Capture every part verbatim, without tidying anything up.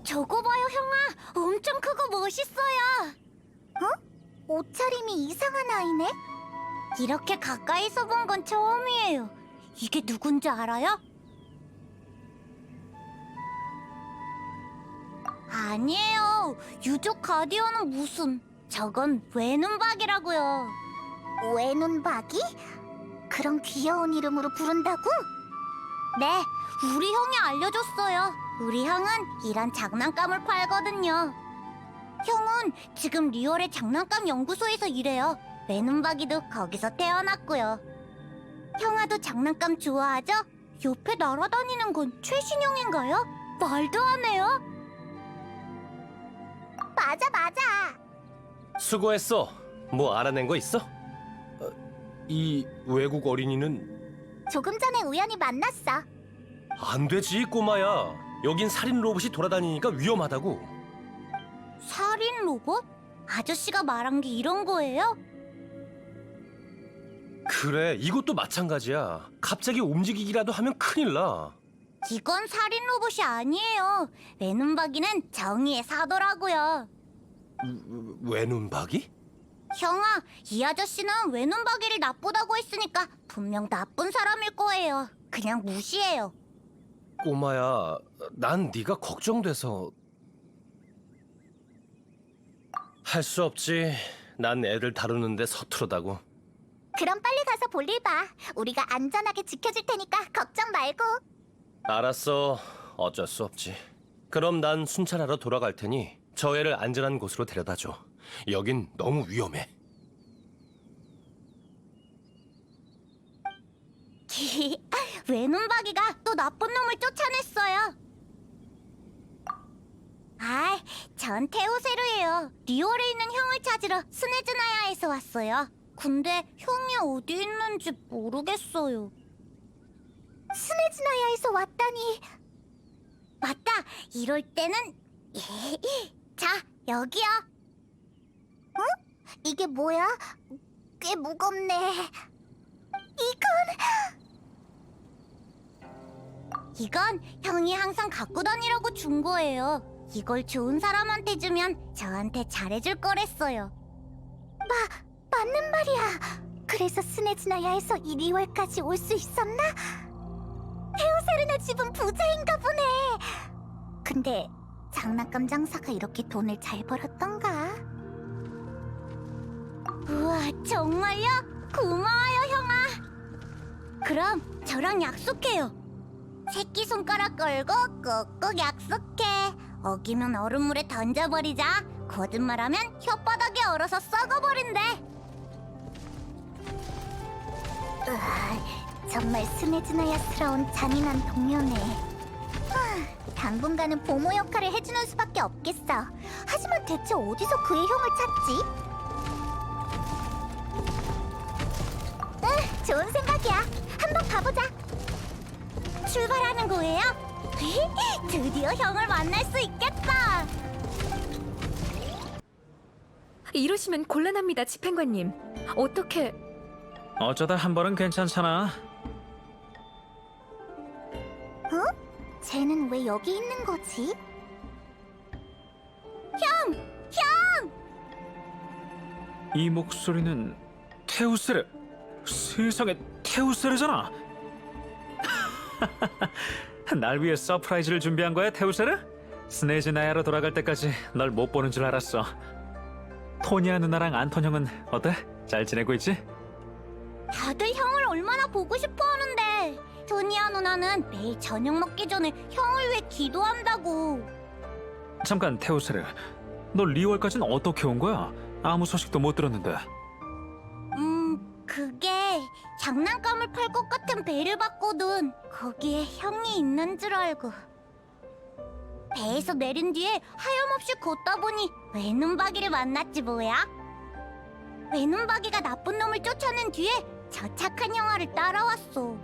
저거 봐요, 형아. 엄청 크고 멋있어요. 어? 옷차림이 이상한 아이네? 이렇게 가까이서 본 건 처음이에요. 이게 누군지 알아요? 아니에요. 유족 가디언은 무슨... 저건 외눈박이라고요. 외눈박이? 그런 귀여운 이름으로 부른다고? 네, 우리 형이 알려줬어요. 우리 형은 이런 장난감을 팔거든요. 형은 지금 리얼의 장난감 연구소에서 일해요. 외눈박이도 거기서 태어났고요. 형아도 장난감 좋아하죠? 옆에 날아다니는 건 최신형인가요? 말도 안 해요? 맞아, 맞아. 수고했어. 뭐 알아낸 거 있어? 어, 이 외국 어린이는... 조금 전에 우연히 만났어. 안 되지, 꼬마야. 여긴 살인 로봇이 돌아다니니까 위험하다고. 살인 로봇? 아저씨가 말한 게 이런 거예요? 그래, 이것도 마찬가지야. 갑자기 움직이기라도 하면 큰일 나. 이건 살인 로봇이 아니에요. 외눈박이는 정의의 사도라고요. 외눈박이? 형아, 이 아저씨는 외눈박이를 나쁘다고 했으니까 분명 나쁜 사람일 거예요. 그냥 무시해요. 꼬마야, 난 네가 걱정돼서... 할 수 없지. 난 애들 다루는데 서투르다고. 그럼 빨리 가서 볼일 봐. 우리가 안전하게 지켜줄 테니까 걱정 말고. 알았어. 어쩔 수 없지. 그럼 난 순찰하러 돌아갈 테니 저 애를 안전한 곳으로 데려다줘. 여긴 너무 위험해. 외눈박이가 또 나쁜 놈을 쫓아냈어요. 아, 전 테오세르예요. 리올에 있는 형을 찾으러 스네즈나야에서 왔어요. 근데 형이 어디 있는지 모르겠어요. 스네즈나야에서 왔다니. 맞다. 이럴 때는 자, 여기요. 어? 이게 뭐야? 꽤 무겁네. 이건... 이건 형이 항상 갖고 다니라고 준 거예요. 이걸 좋은 사람한테 주면 저한테 잘해줄 거랬어요. 마, 맞는 말이야. 그래서 스네즈나야에서 이 리월까지 올 수 있었나? 테오세르네 집은 부자인가 보네. 근데 장난감 장사가 이렇게 돈을 잘 벌었던가? 우와, 정말요? 고마워요, 형아. 그럼 저랑 약속해요. 새끼손가락 걸고 꾹꾹 약속해. 어기면 얼음물에 던져버리자. 거짓말하면 혓바닥에 얼어서 썩어버린대. 으아, 정말 스네즈나야스러운 잔인한 동료네. 하, 당분간은 보모 역할을 해주는 수밖에 없겠어. 하지만 대체 어디서 그의 형을 찾지? 응, 좋은 생각이야. 한번 가보자. 출발하는 거예요? 드디어 형을 만날 수 있겠다. 이러시면 곤란합니다, 집행관님. 어떻게... 어쩌다 한 번은 괜찮잖아. 어? 쟤는 왜 여기 있는 거지? 형! 형! 이 목소리는 테우스르. 세상에, 테우스르잖아. 날 위해 서프라이즈를 준비한 거야, 테우스르? 스네즈나야로 돌아갈 때까지 널 못 보는 줄 알았어. 토니아 누나랑 안톤 형은 어때? 잘 지내고 있지? 다들 형을 얼마나 보고 싶어 하는데. 토니아 누나는 매일 저녁 먹기 전에 형을 위해 기도한다고. 잠깐, 테우스르. 너 리월까진 어떻게 온 거야? 아무 소식도 못 들었는데. 음, 그게 장난감을 팔 것 같은 배를 봤거든. 거기에 형이 있는 줄 알고. 배에서 내린 뒤에 하염없이 걷다 보니 외눈박이를 만났지 뭐야. 외눈박이가 나쁜 놈을 쫓아낸 뒤에 저 착한 형아를 따라왔어.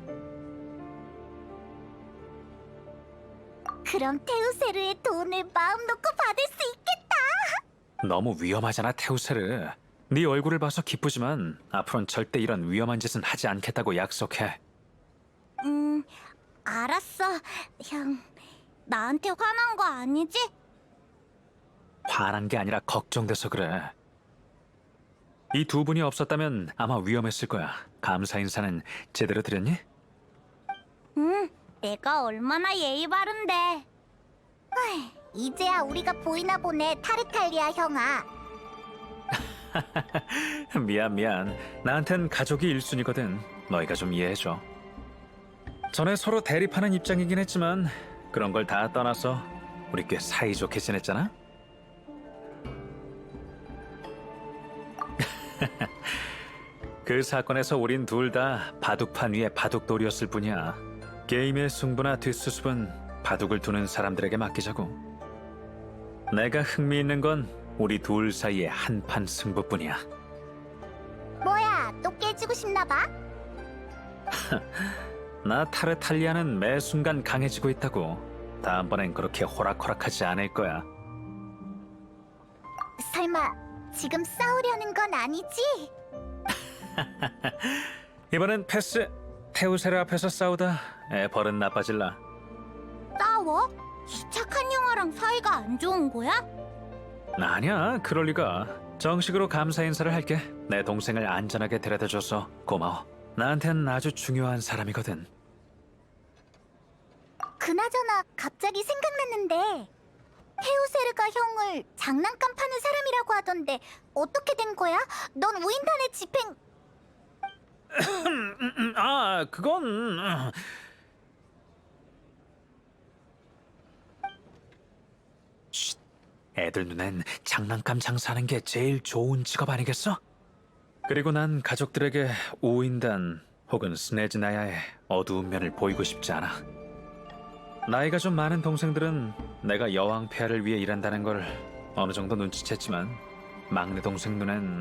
그럼 테우세르의 돈을 마음 놓고 받을 수 있겠다. 너무 위험하잖아, 테우스르. 네 얼굴을 봐서 기쁘지만 앞으로는 절대 이런 위험한 짓은 하지 않겠다고 약속해. 음, 알았어, 형. 나한테 화난 거 아니지? 화난 게 아니라 걱정돼서 그래. 이 두 분이 없었다면 아마 위험했을 거야. 감사 인사는 제대로 드렸니? 응, 내가 얼마나 예의 바른데. 헐, 이제야 우리가 보이나 보네, 타르탈리아 형아. 미안 미안. 나한텐 가족이 일순위거든. 너희가 좀 이해해줘. 전에 서로 대립하는 입장이긴 했지만 그런 걸 다 떠나서 우리 꽤 사이좋게 지냈잖아? 그 사건에서 우린 둘 다 바둑판 위에 바둑돌이었을 뿐이야. 게임의 승부나 뒷수습은 바둑을 두는 사람들에게 맡기자고. 내가 흥미있는 건 우리 둘 사이의 한판 승부뿐이야. 뭐야, 또 깨지고 싶나 봐? 나 타르탈리아는 매 순간 강해지고 있다고. 다음번엔 그렇게 호락호락하지 않을 거야. 설마 지금 싸우려는 건 아니지? 이번엔 패스. 테우세르 앞에서 싸우다 애 버릇 나빠질라. 싸워? 이 착한 영화랑 사이가 안 좋은 거야? 아니야, 그럴 리가. 정식으로 감사 인사를 할게. 내 동생을 안전하게 데려다줘서 고마워. 나한텐 아주 중요한 사람이거든. 그나저나 갑자기 생각났는데 테우세르가 형을 장난감 파는 사람이라고 하던데 어떻게 된 거야? 넌 우인단의 집행... 음, 아, 그건... 음. 쉿, 애들 눈엔 장난감 장사하는 게 제일 좋은 직업 아니겠어? 그리고 난 가족들에게 우인단 혹은 스네즈나야의 어두운 면을 보이고 싶지 않아. 나이가 좀 많은 동생들은 내가 여왕 폐하를 위해 일한다는 걸 어느 정도 눈치챘지만 막내 동생 눈엔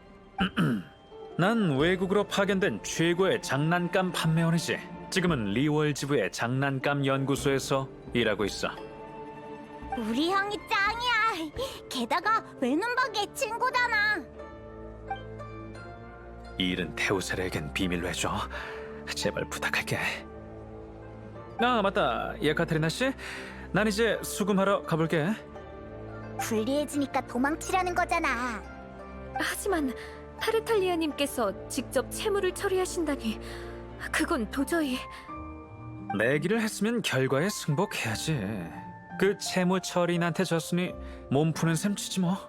난 외국으로 파견된 최고의 장난감 판매원이지. 지금은 리월 지부의 장난감 연구소에서 일하고 있어. 우리 형이 짱이야. 게다가 외눈박이의 친구잖아. 이 일은 테우세르에겐 비밀로 해줘. 제발 부탁할게. 아, 맞다. 예카테리나 씨, 난 이제 수금하러 가볼게. 불리해지니까 도망치려는 거잖아. 하지만 타르탈리아님께서 직접 채무를 처리하신다니 그건 도저히... 내기를 했으면 결과에 승복해야지. 그 채무 처리인한테 졌으니 몸 푸는 셈 치지 뭐.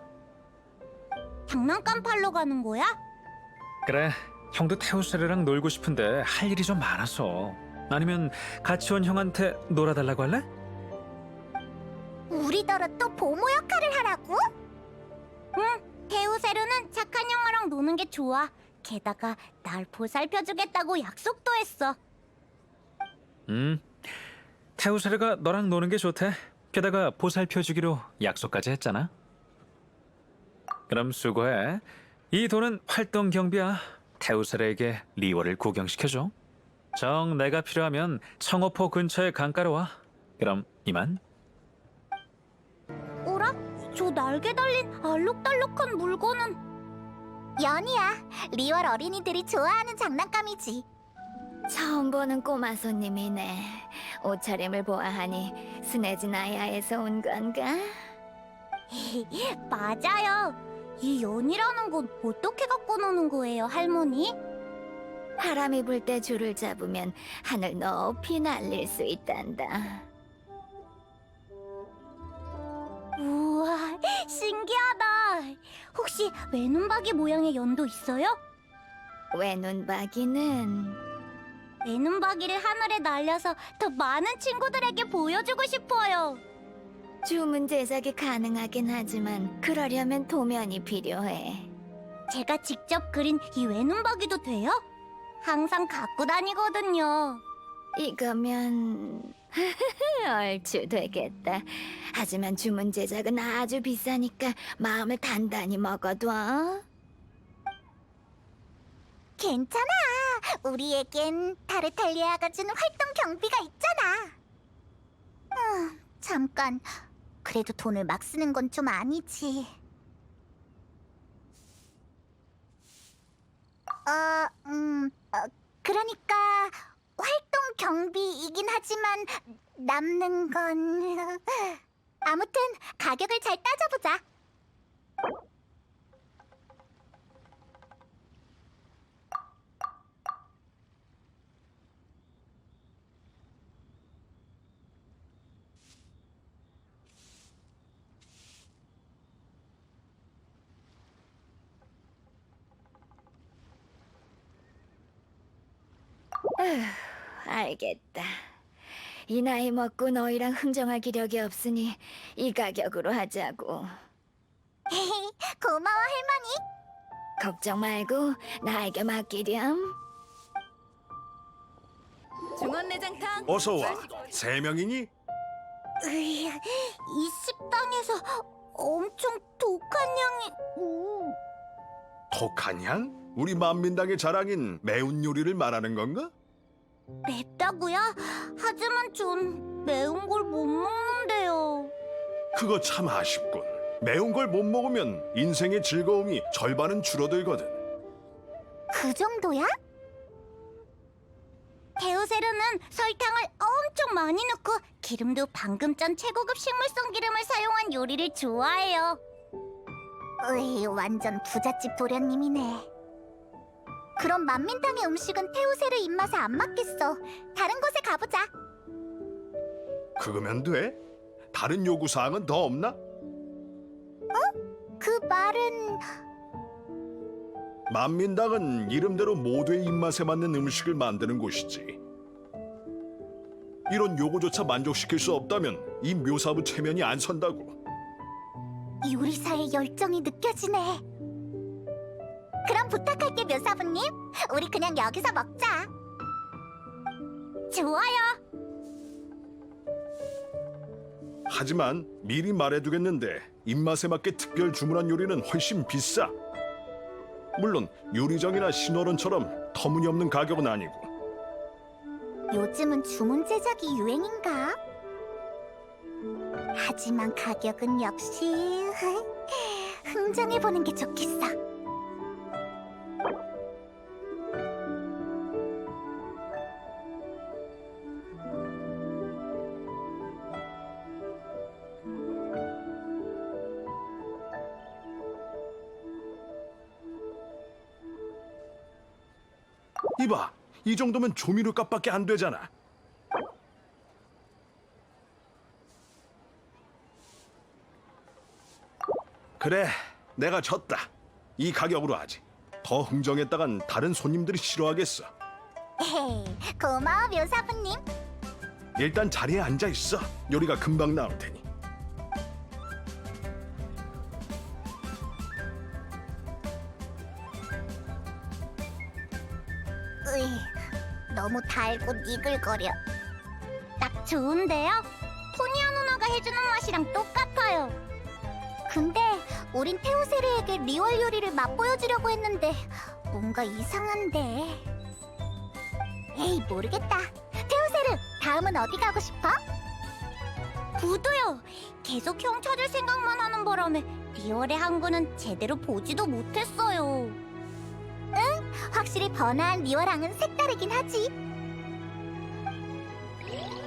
장난감 팔러 가는 거야? 그래, 형도 테우세르랑 놀고 싶은데 할 일이 좀 많아서. 아니면 같이 온 형한테 놀아달라고 할래? 우리더러 또 보모 역할을 하라고? 응, 테우세르는 착한 영화랑 노는 게 좋아. 게다가 날 보살펴주겠다고 약속도 했어. 음, 테우세르가 너랑 노는 게 좋대. 게다가 보살펴주기로 약속까지 했잖아. 그럼 수고해. 이 돈은 활동 경비야. 테우세르에게 리월을 구경시켜줘. 정 내가 필요하면 청어포 근처의 강가로 와. 그럼 이만. 어라? 저 날개 달린 알록달록한 물건은... 연이야. 리월 어린이들이 좋아하는 장난감이지. 처음 보는 꼬마 손님이네. 옷차림을 보아하니 스네즈나야에서 온 건가? 맞아요. 이 연이라는 건 어떻게 갖고 노는 거예요, 할머니? 바람이 불 때 줄을 잡으면 하늘 높이 날릴 수 있단다. 우와, 신기하다. 혹시 외눈박이 모양의 연도 있어요? 외눈박이는 외눈박이를 하늘에 날려서 더 많은 친구들에게 보여주고 싶어요. 주문 제작이 가능하긴 하지만 그러려면 도면이 필요해. 제가 직접 그린 이 외눈박이도 돼요? 항상 갖고 다니거든요. 이거면 얼추 되겠다. 하지만 주문 제작은 아주 비싸니까 마음을 단단히 먹어둬. 괜찮아. 우리에겐 타르탈리아가 주는 활동 경비가 있잖아. 아, 잠깐. 그래도 돈을 막 쓰는 건 좀 아니지. 어, 음, 어, 그러니까 활동 경비이긴 하지만 남는 건... 아무튼 가격을 잘 따져보자. 알겠다. 이 나이 먹고 너희랑 흥정할 기력이 없으니 이 가격으로 하자고. 고마워, 할머니. 걱정 말고 나에게 맡기렴. 중원 내장탕. 어서 와. 세 명이니? 으이, 이 식당에서 엄청 독한 향이... 음. 독한 향? 우리 만민당의 자랑인 매운 요리를 말하는 건가? 맵다고요? 하지만 전 매운 걸 못 먹는데요. 그거 참 아쉽군. 매운 걸 못 먹으면 인생의 즐거움이 절반은 줄어들거든. 그 정도야? 데우세르는 설탕을 엄청 많이 넣고 기름도 방금 짠 최고급 식물성 기름을 사용한 요리를 좋아해요. 으이, 완전 부잣집 도련님이네. 그럼 만민당의 음식은 테우세르 입맛에 안 맞겠어. 다른 곳에 가보자. 그거면 돼? 다른 요구사항은 더 없나? 그 말은... 만민당은 이름대로 모두의 입맛에 맞는 음식을 만드는 곳이지. 이런 요구조차 만족시킬 수 없다면 이 묘사부 체면이 안 선다고. 요리사의 열정이 느껴지네. 그럼 부탁할게, 묘사부님. 우리 그냥 여기서 먹자. 좋아요. 하지만 미리 말해두겠는데 입맛에 맞게 특별 주문한 요리는 훨씬 비싸. 물론 요리정이나 신호론처럼 터무니없는 가격은 아니고. 요즘은 주문 제작이 유행인가? 하지만 가격은 역시 흥정해보는 게 좋겠어. 이봐, 이 정도면 조미료 값밖에 안 되잖아. 그래, 내가 졌다. 이 가격으로 하지. 더 흥정했다간 다른 손님들이 싫어하겠어. 에헤이, 고마워, 묘사부님. 일단 자리에 앉아 있어. 요리가 금방 나올 테니. 으이, 너무 달고 니글거려. 딱 좋은데요? 토니아 누나가 해주는 맛이랑 똑같아요. 근데 우린 테오세르에게 리월 요리를 맛보여주려고 했는데 뭔가 이상한데. 에이, 모르겠다. 테오세르, 다음은 어디 가고 싶어? 부도요. 계속 형 찾을 생각만 하는 바람에 리월의 항구는 제대로 보지도 못했어요. 응, 확실히 번화한 리월항은 색다르긴 하지.